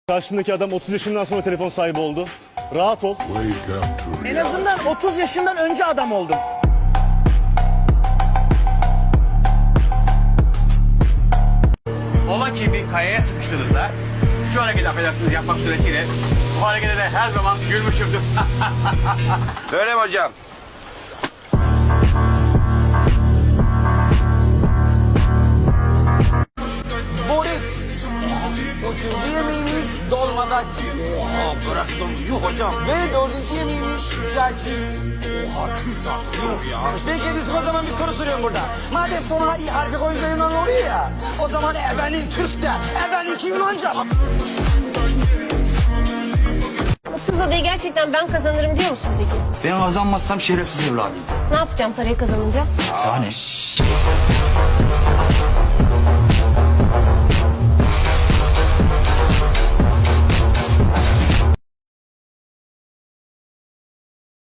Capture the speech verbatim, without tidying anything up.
Karşındaki adam otuz yaşından sonra telefon sahibi oldu. Rahat ol. En azından otuz yaşından önce adam oldum. Ola ki bir kayaya sıkıştığınızda şu hareketi affedersiniz yapmak suretiyle bu harekete de her zaman gülmüşümdür. Öyle mi hocam? Börek. Üçüncü yemeğimiz dolmadak. Oha bıraktım. Yuh hocam. Ve dördüncü yemeğimiz cacık. Oha çüş artık. Yuh ya. Peki biz o zaman bir soru soruyorum burada. Madem sona i harfi koyunca Yunan oluyor ya. O zaman ebenin Türk de, ebeninki Yunanca. Bu kız adayı gerçekten ben kazanırım diyor musun peki? Ben kazanmazsam şerefsiz evladıyım. Ne yapacağım parayı kazanınca? Sahne.